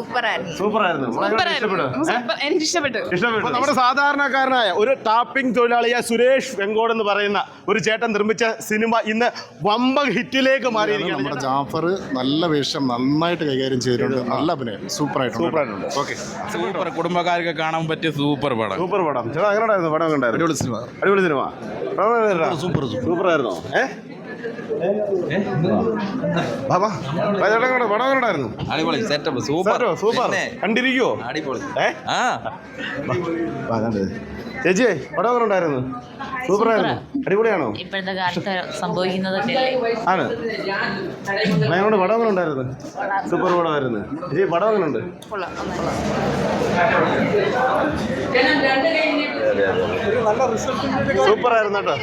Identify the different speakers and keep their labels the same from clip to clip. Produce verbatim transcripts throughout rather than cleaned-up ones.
Speaker 1: എനിക്ക് ഇഷ്ടപ്പെട്ടു.
Speaker 2: നമ്മുടെ സാധാരണക്കാരനായ ഒരു ടാപ്പിംഗ് തൊഴിലാളിയായ സുരേഷ് വെങ്കോട് എന്ന് പറയുന്ന ഒരു ചേട്ടൻ നിർമ്മിച്ച സിനിമ ഇന്ന് വമ്പൻ ഹിറ്റിലേക്ക് മാറിയിരിക്കുകയാണ്.
Speaker 3: നമ്മുടെ ജാഫർ നല്ല വേഷം നന്നായിട്ട് കൈകാര്യം ചെയ്തിട്ടുണ്ട്. നല്ല അഭിനയം സൂപ്പറായിട്ടുണ്ട്.
Speaker 2: സൂപ്പറായിട്ടുണ്ട്. Okay,
Speaker 4: super. കുടുംബക്കാർക്ക് കാണാൻ പറ്റിയ സൂപ്പർ പടം.
Speaker 2: സൂപ്പർ പടം. ചേട്ടാ എങ്ങനെയായിരുന്നു പടം? കണ്ടായിരുന്നു?
Speaker 3: അടിപൊളി സിനിമ.
Speaker 2: അടിപൊളി സിനിമ.
Speaker 3: സൂപ്പർ
Speaker 2: സൂപ്പറായിരുന്നോ? ഏഹ് ബാബാ പടം കണ്ടായിരുന്നു?
Speaker 4: അടിപൊളി സെറ്റപ്പ്. Super
Speaker 2: super. കണ്ടിരിക്കുവോ?
Speaker 4: അടിപൊളി.
Speaker 2: ചേച്ചി പടം എങ്ങനെ ഉണ്ടായിരുന്നു? സൂപ്പറായിരുന്നു. അടിപൊളിയാണോ?
Speaker 1: ഇപ്പോഴത്തെ കാലത്ത് സംഭവിക്കുന്നതൊക്കെ
Speaker 2: ആണ്. ഞങ്ങളുടെ പടം എങ്ങനെ ഉണ്ടായിരുന്നു? സൂപ്പർ പടമായിരുന്നു. ചേച്ചി പടം എങ്ങനെ ഉണ്ട്? സൂപ്പറായിരുന്നു കേട്ടോ.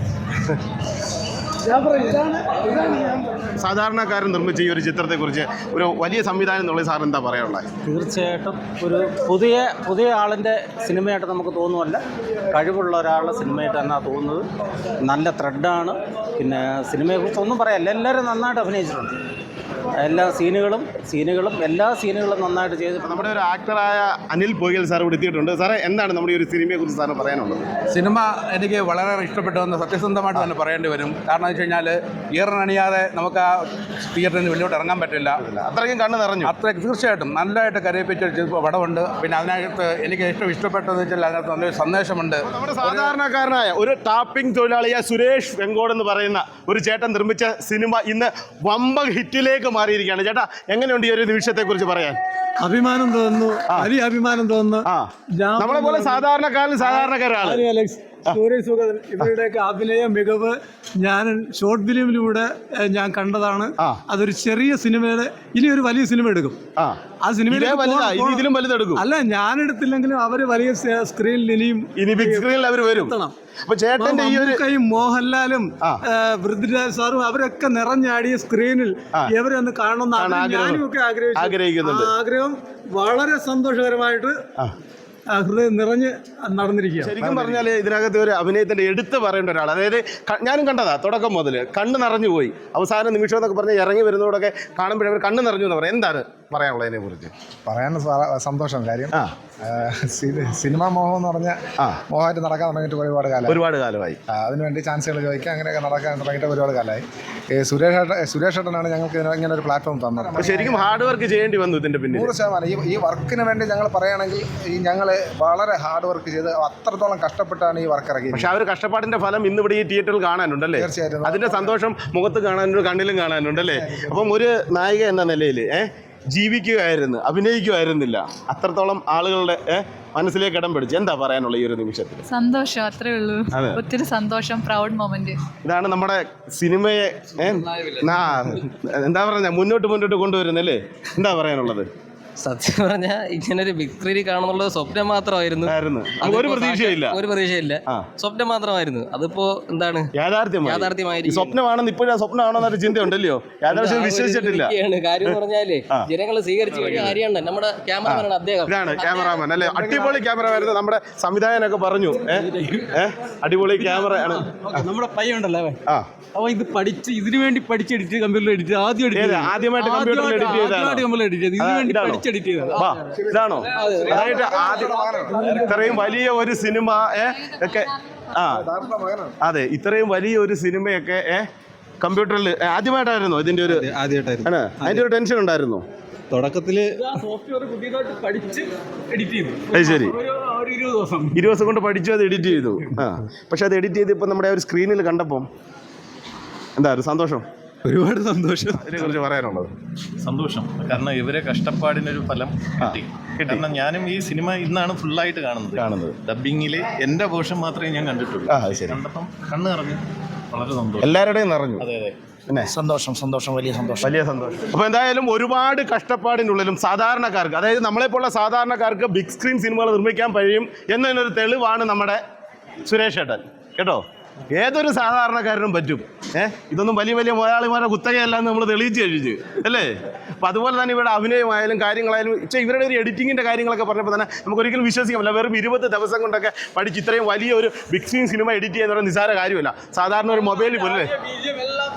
Speaker 2: സാധാരണക്കാരൻ നിർമ്മിച്ച ഈ ഒരു ചിത്രത്തെക്കുറിച്ച് ഒരു വലിയ സംവിധാനം എന്നുള്ള സാർ എന്താ പറയാനുള്ളത്?
Speaker 5: തീർച്ചയായിട്ടും ഒരു പുതിയ പുതിയ ആളിൻ്റെ സിനിമയായിട്ട് നമുക്ക് തോന്നുമല്ല, കഴിവുള്ള ഒരാളുടെ സിനിമയായിട്ട് തന്നെ തോന്നുന്നത്. നല്ല ത്രെഡാണ്. പിന്നെ സിനിമയെക്കുറിച്ച് ഒന്നും പറയാനില്ല, എല്ലാവരും നന്നായിട്ട് അഭിനയിച്ചിട്ടുണ്ട്. എല്ലാ സീനുകളും സീനുകളും എല്ലാ സീനുകളും നന്നായിട്ട് ചെയ്തിട്ടുണ്ട്.
Speaker 2: നമ്മുടെ ഒരു ആക്ടറായ അനിൽ പൊയ്കൽ സാർ ഇവിടെ എത്തിയിട്ടുണ്ട്. സാറേ, എന്താണ് നമ്മുടെ ഈ ഒരു സിനിമയെക്കുറിച്ച് സാറിന് പറയാനുള്ളത്?
Speaker 4: സിനിമ എനിക്ക് വളരെ ഇഷ്ടപ്പെട്ടതെന്ന് സത്യസന്ധമായിട്ട് തന്നെ പറയേണ്ടി വരും. കാരണം എന്ന് വെച്ച് കഴിഞ്ഞാൽ ഇയറിനണിയാതെ നമുക്ക് ആ തിയേറ്ററിൽ നിന്ന് വെളിയോട്ട് ഇറങ്ങാൻ പറ്റില്ല.
Speaker 2: അത്രയ്ക്കും കണ്ണ് നിറഞ്ഞു.
Speaker 4: അത്ര തീർച്ചയായിട്ടും നല്ലതായിട്ട് കരയിപ്പിച്ച പടമുണ്ട്. പിന്നെ അതിനകത്ത് എനിക്ക് ഏറ്റവും ഇഷ്ടപ്പെട്ടതെന്ന് വെച്ചാൽ അതിനകത്ത് നല്ലൊരു സന്ദേശമുണ്ട്.
Speaker 2: നമ്മുടെ സാധാരണക്കാരനായ ഒരു ടാപ്പിംഗ് തൊഴിലാളിയായ സുരേഷ് വെങ്കോട് എന്ന് പറയുന്ന ഒരു ചേട്ടൻ നിർമ്മിച്ച സിനിമ ഇന്ന് വമ്പൻ ഹിറ്റിലേക്ക് മാറിയിരിക്കുകയാണ്. ചേട്ടാ, എങ്ങനെയുണ്ട് ഈ ഒരു നിമിഷത്തെ കുറിച്ച് പറയാൻ?
Speaker 6: അഭിമാനം തോന്നുന്നു, വലിയ അഭിമാനം തോന്നുന്നു.
Speaker 2: നമ്മളെ പോലെ സാധാരണക്കാരൻ സാധാരണക്കാരാണ്.
Speaker 6: സൂരജ് സുഗതൻ ഇവരുടെയൊക്കെ അഭിനയ മികവ് ഞാൻ ഷോർട്ട് ഫിലിമിലൂടെ ഞാൻ കണ്ടതാണ്. അതൊരു ചെറിയ സിനിമയുടെ ഇനി ഒരു വലിയ സിനിമ എടുക്കും. ആ സിനിമയിൽ
Speaker 2: ഇതിലും വലുതെടുക്കും.
Speaker 6: അല്ല, ഞാൻ എടുത്തില്ലെങ്കിലും അവര് വലിയ സ്ക്രീനിൽ ഇനിയും
Speaker 2: ഇനി ബിഗ് സ്ക്രീനിൽ അവർ വരും. അപ്പൊ ചേട്ടന്റെ ഈ ഒരു മോഹൻലാലും
Speaker 6: പൃഥ്വിരാജ് സാറും അവരൊക്കെ നിറഞ്ഞാടിയ സ്ക്രീനിൽ ഇവരൊന്ന് കാണണമെന്ന് ഞാനും ഒക്കെ ആഗ്രഹിക്കുന്നുണ്ട്. ആഗ്രഹം വളരെ സന്തോഷകരമായിട്ട് ഹൃദയം നിറഞ്ഞ് നടന്നിരിക്കുക.
Speaker 2: ശരിക്കും പറഞ്ഞാൽ ഇതിനകത്ത് ഒരു അഭിനയത്തിന്റെ എടുത്ത് പറയേണ്ട ഒരാൾ, അതായത് ഞാനും കണ്ടതാ തുടക്കം മുതൽ കണ്ണ് നിറഞ്ഞു പോയി. അവസാന നിമിഷം എന്നൊക്കെ പറഞ്ഞ് ഇറങ്ങി വരുന്നതോടൊക്കെ കാണുമ്പോഴേ അവർ കണ്ണ് നിറഞ്ഞു എന്ന് പറയാം. എന്താണ് പറയാനുള്ളത് അതിനെ കുറിച്ച്?
Speaker 3: പറയാൻ സന്തോഷം. കാര്യം സിനിമാ മോഹം എന്ന് പറഞ്ഞാൽ മോഹമായിട്ട് നടക്കാൻ തുടങ്ങിയിട്ട് ഒരുപാട് കാലം
Speaker 2: ഒരുപാട് കാലമായി
Speaker 3: അതിനുവേണ്ടി ചാൻസുകൾ ചോദിക്കുക അങ്ങനെയൊക്കെ നടക്കാൻ തുടങ്ങിയിട്ട് ഒരുപാട് കാലമായി. സുരേഷ് ഏട്ടൻ സുരേഷ് ഏട്ടനാണ് ഞങ്ങൾക്ക് ഇങ്ങനെ ഒരു പ്ലാറ്റ്ഫോം തന്നത്.
Speaker 2: ശരിക്കും ഹാർഡ് വർക്ക് ചെയ്യേണ്ടി വന്നു ഇതിന്റെ പിന്നിൽ.
Speaker 3: നൂറ് ശതമാനം ഈ ഈ വർക്കിന് വേണ്ടി ഞങ്ങൾ പറയുകയാണെങ്കിൽ ഈ ഞങ്ങൾ വളരെ ഹാർഡ് വർക്ക് ചെയ്ത് അത്രത്തോളം കഷ്ടപ്പെട്ടാണ് ഈ വർക്ക് ഇറക്കിയത്.
Speaker 2: പക്ഷെ ആ ഒരു കഷ്ടപ്പാടിന്റെ ഫലം ഇന്ന് ഇവിടെ ഈ തിയേറ്ററിൽ കാണാനുണ്ടല്ലേ?
Speaker 3: തീർച്ചയായിട്ടും
Speaker 2: അതിന്റെ സന്തോഷം മുഖത്ത് കാണാനുണ്ട്, കണ്ണിലും കാണാനുണ്ടല്ലേ? അപ്പം ഒരു നായിക എന്ന നിലയിൽ ഏഹ് ജീവിക്കുകയായിരുന്നു, അഭിനയിക്കുമായിരുന്നില്ല. അത്രത്തോളം ആളുകളുടെ മനസ്സിലേക്ക് ഇടം പിടിച്ചു. എന്താ പറയാനുള്ള ഈ ഒരു നിമിഷത്തിൽ?
Speaker 1: സന്തോഷം, അത്രേ ഉള്ളൂ. ഒത്തിരി സന്തോഷം, പ്രൗഡ് മൊമെന്റ്.
Speaker 2: ഇതാണ് നമ്മുടെ സിനിമയെ എന്താ പറഞ്ഞ മുന്നോട്ട് മുന്നോട്ട് കൊണ്ടുവരുന്നല്ലേ? എന്താ പറയാനുള്ളത്?
Speaker 7: സത്യം പറഞ്ഞാൽ ഇങ്ങനൊരു ബിഗ് സ്ക്രീനിൽ കാണുന്നുള്ള സ്വപ്നം മാത്രമായിരുന്നു.
Speaker 2: ഒരു പ്രതീക്ഷയില്ല
Speaker 7: ഒരു പ്രതീക്ഷയില്ല സ്വപ്നം മാത്രമായിരുന്നു. അതിപ്പോ എന്താണ് യാഥാർത്ഥ്യമായിരിക്കും.
Speaker 2: സ്വപ്നമാണെന്ന് ഇപ്പോഴും സ്വപ്നമാണെന്നൊരു ചിന്തയുണ്ടല്ലോ. യാഥാർത്ഥ്യം വിശ്വസിച്ചിട്ടില്ല.
Speaker 7: കാര്യം പറഞ്ഞാല് ജനങ്ങൾ സ്വീകരിച്ചു കഴിഞ്ഞ കാര്യമാണ്. നമ്മുടെ ക്യാമറമാനാണ് അദ്ദേഹം.
Speaker 2: ഇതാണ് ക്യാമറാമാൻ അല്ലേ? അടിപൊളി ക്യാമറമാൻ. നമ്മുടെ സംവിധായകനൊക്കെ പറഞ്ഞു ഏഹ് അടിപൊളി ക്യാമറ ആണ്.
Speaker 6: നമ്മുടെ പയ്യുണ്ടല്ലോ അവ ഇത് പഠിച്ച് ഇതിനു വേണ്ടി പഠിച്ചെടുത്ത് കമ്പ്യൂട്ടറിൽ എഡിറ്റ് ആദ്യം
Speaker 2: ആദ്യമായിട്ട് കമ്പ്യൂട്ടറിൽ എഡിറ്റ് ചെയ്തതാണ്. ഇതാണോ? അതായത് ഇത്രയും വലിയ ഒരു സിനിമ ഒക്കെ ആ അതെ ഇത്രയും വലിയ ഒരു സിനിമയൊക്കെ ഏഹ് കമ്പ്യൂട്ടറിൽ ആദ്യമായിട്ടായിരുന്നോ ഇതിന്റെ ഒരു ആദ്യമായിട്ടായിരുന്നു? അതിന്റെ ഒരു ടെൻഷൻ ഉണ്ടായിരുന്നോ
Speaker 6: തുടക്കത്തില്? സോഫ്റ്റ്വെയർ പുതിയതായിട്ട് പഠിച്ച് എഡിറ്റ് ചെയ്തു.
Speaker 2: അത് ശരി,
Speaker 6: ഇരുപത് ദിവസം
Speaker 2: ഇരുപത് ദിവസം കൊണ്ട് പഠിച്ചു അത് എഡിറ്റ് ചെയ്തു. ആ പക്ഷെ അത് എഡിറ്റ് ചെയ്ത് ഇപ്പം നമ്മുടെ ഒരു സ്ക്രീനിൽ കണ്ടപ്പോൾ എന്താ ഒരു സന്തോഷം?
Speaker 6: ഒരുപാട് സന്തോഷം.
Speaker 2: അതിനെക്കുറിച്ച് പറയാനുള്ളത്?
Speaker 8: സന്തോഷം, കാരണം ഇവരെ കഷ്ടപ്പാടിനൊരു ഫലം കിട്ടി. കാരണം ഞാനും ഈ സിനിമ ഇന്നാണ് ഫുള്ളായിട്ട് കാണുന്നത് കാണുന്നത് ഡബ്ബിങ്ങിൽ എൻ്റെ പോർഷൻ മാത്രമേ ഞാൻ കണ്ടിട്ടുള്ളൂ. കണ്ടപ്പം കണ്ണ് നിറഞ്ഞു, വളരെ സന്തോഷം.
Speaker 2: എല്ലാവരുടെയും നിറഞ്ഞു.
Speaker 8: അതെ അതെ
Speaker 2: പിന്നെ
Speaker 5: സന്തോഷം സന്തോഷം വലിയ സന്തോഷം
Speaker 2: വലിയ സന്തോഷം. അപ്പോൾ എന്തായാലും ഒരുപാട് കഷ്ടപ്പാടിനുള്ളിലും സാധാരണക്കാർക്ക്, അതായത് നമ്മളെപ്പോലുള്ള സാധാരണക്കാർക്ക് ബിഗ് സ്ക്രീൻ സിനിമകൾ നിർമ്മിക്കാൻ കഴിയും എന്നതിനൊരു തെളിവാണ് നമ്മുടെ സുരേഷ് ഏട്ടൻ കേട്ടോ. ഏതൊരു സാധാരണക്കാരനും പറ്റും. ഏഹ് ഇതൊന്നും വലിയ വലിയ മുതലാളിമാരുടെ കുത്തകയല്ല എന്ന് നമ്മൾ തെളിയിച്ച് കഴിച്ചു അല്ലേ? അപ്പം അതുപോലെ തന്നെ ഇവിടെ അഭിനയമായാലും കാര്യങ്ങളായാലും പക്ഷേ ഇവരുടെ ഒരു എഡിറ്റിങ്ങിൻ്റെ കാര്യങ്ങളൊക്കെ പറഞ്ഞപ്പോൾ തന്നെ നമുക്ക് ഒരിക്കലും വിശ്വസിക്കാൻ പറ്റില്ല. വെറും ഇരുപത് ദിവസം കൊണ്ടൊക്കെ പഠിച്ച് ഇത്രയും വലിയ ഒരു ബിഗ് സ്ക്രീൻ സിനിമ എഡിറ്റ് ചെയ്യുന്ന നിസ്സാര കാര്യമല്ല. സാധാരണ ഒരു മൊബൈലിൽ പോലും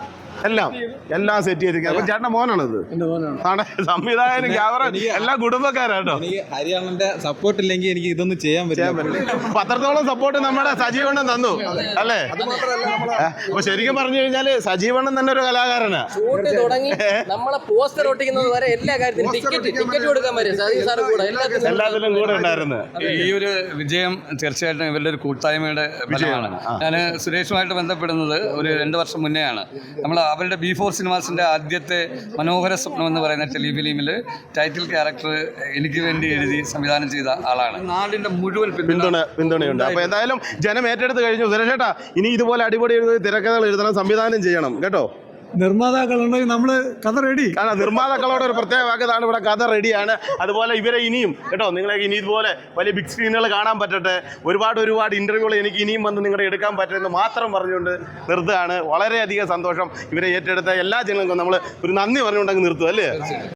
Speaker 2: എല്ലാം എല്ലാം സെറ്റ് ചെയ്തിരിക്കുക. അപ്പൊ ചേട്ടൻ്റെ മോനാണത്?
Speaker 6: എൻ്റെ മോനാണ്.
Speaker 2: ആണ് സംവിധായകനും ക്യാമറ എല്ലാം കുടുംബക്കാരാട്ടോ.
Speaker 9: എനിക്ക് ഹരിയാണന്റെ സപ്പോർട്ട് ഇല്ലെങ്കിൽ എനിക്ക് ഇതൊന്നും ചെയ്യാൻ പറ്റില്ല.
Speaker 2: പത്രത്തോളം സപ്പോർട്ട് നമ്മുടെ സജീവണ്ണൻ തന്നു അല്ലേ? അപ്പൊ ശരിക്കും പറഞ്ഞു കഴിഞ്ഞാല് സജീവണ്ണൻ തന്നെ ഒരു കലാകാരനാ.
Speaker 7: ഷൂട്ട് തുടങ്ങി നമ്മളെ പോസ്റ്റർ ഒട്ടിക്കുന്നത് വരെ എല്ലാ കാര്യത്തിലും ടിക്കറ്റ് ടിക്കറ്റ് കൊടുക്കാൻ വരെ സജീവ് സാറ് കൂടെ എല്ലാത്തിനും
Speaker 2: എല്ലാത്തിലും കൂടെ ഉണ്ടായിരുന്നു.
Speaker 10: ഈ ഒരു വിജയം തീർച്ചയായിട്ടും ഇവരുടെ ഒരു കൂട്ടായ്മയുടെ ഫലമാണ്. ഞാൻ സുരേഷുമായിട്ട് ബന്ധപ്പെടുന്നത് ഒരു രണ്ട് വർഷം മുന്നെയാണ്. നമ്മൾ അവരുടെ ബി ഫോർ സിനിമാസിൻ്റെ ആദ്യത്തെ മനോഹര സ്വപ്നം എന്ന് പറയുന്ന ടെലിഫിലിമിൽ ടൈറ്റിൽ ക്യാരക്ടർ എനിക്ക് വേണ്ടി എഴുതി സംവിധാനം ചെയ്ത ആളാണ്. നാടിൻ്റെ മുഴുവൻ
Speaker 2: പിന്തുണ പിന്തുണയുണ്ട്. അപ്പോൾ എന്തായാലും ജനം ഏറ്റെടുത്ത് കഴിഞ്ഞു. സുരേഷേട്ടാ, ഇനി ഇതുപോലെ അടിപൊളി എഴുതി തിരക്കഥകൾ എഴുതണം, സംവിധാനം ചെയ്യണം കേട്ടോ.
Speaker 6: നിർമ്മാതാക്കളുണ്ടെങ്കിൽ നമ്മൾ കഥ റെഡി.
Speaker 2: കാരണം നിർമ്മാതാക്കളോട് ഒരു പ്രത്യേക വാക്കതാണ്, ഇവിടെ കഥ റെഡിയാണ്. അതുപോലെ ഇവരെ ഇനിയും കേട്ടോ, നിങ്ങളെ ഇനി ഇതുപോലെ വലിയ ബിഗ് സ്ക്രീനുകൾ കാണാൻ പറ്റട്ടെ. ഒരുപാട് ഒരുപാട് ഇൻ്റർവ്യൂകൾ എനിക്ക് ഇനിയും വന്ന് നിങ്ങളുടെ എടുക്കാൻ പറ്റുമെന്ന് മാത്രം പറഞ്ഞുകൊണ്ട് നിർത്തുകയാണ്. വളരെയധികം സന്തോഷം. ഇവരെ ഏറ്റെടുത്ത എല്ലാ ജനങ്ങൾക്കും നമ്മൾ ഒരു നന്ദി പറഞ്ഞുകൊണ്ടങ്ങ് നിർത്തും അല്ലേ?